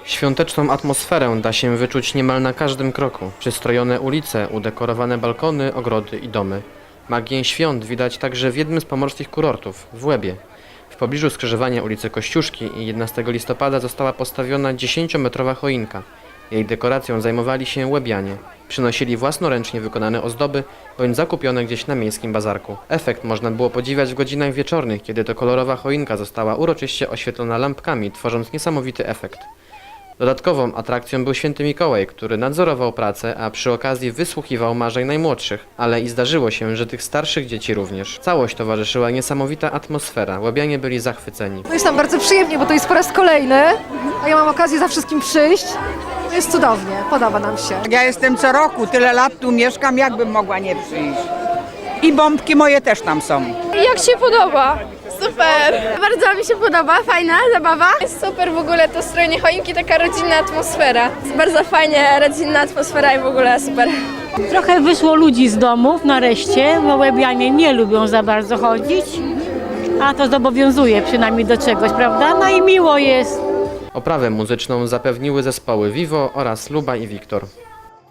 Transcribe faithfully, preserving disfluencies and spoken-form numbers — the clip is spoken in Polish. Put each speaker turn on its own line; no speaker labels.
Świąteczną atmosferę da się wyczuć niemal na każdym kroku. Przystrojone ulice, udekorowane balkony, ogrody i domy. Magię świąt widać także w jednym z pomorskich kurortów, w Łebie. W pobliżu skrzyżowania ulicy Kościuszki i jedenastego listopada została postawiona dziesięciometrowa choinka. Jej dekoracją zajmowali się łebianie. Przynosili własnoręcznie wykonane ozdoby bądź zakupione gdzieś na miejskim bazarku. Efekt można było podziwiać w godzinach wieczornych, kiedy to kolorowa choinka została uroczyście oświetlona lampkami, tworząc niesamowity efekt. Dodatkową atrakcją był święty Mikołaj, który nadzorował pracę, a przy okazji wysłuchiwał marzeń najmłodszych, ale i zdarzyło się, że tych starszych dzieci również. Całość towarzyszyła niesamowita atmosfera, łabianie byli zachwyceni.
No jest nam bardzo przyjemnie, bo to jest po raz kolejny, a ja mam okazję za wszystkim przyjść. No jest cudownie, podoba nam się.
Ja jestem co roku, tyle lat tu mieszkam, jakbym mogła nie przyjść. I bombki moje też tam są.
Jak się podoba? Super! Bardzo mi się podoba, fajna zabawa. Jest super w ogóle to strojenie choinki, taka rodzinna atmosfera. Jest bardzo fajnie, rodzinna atmosfera i w ogóle super.
Trochę wyszło ludzi z domów nareszcie, bo łebianie nie lubią za bardzo chodzić, a to zobowiązuje przynajmniej do czegoś, prawda? No i miło jest.
Oprawę muzyczną zapewniły zespoły Vivo oraz Luba i Wiktor.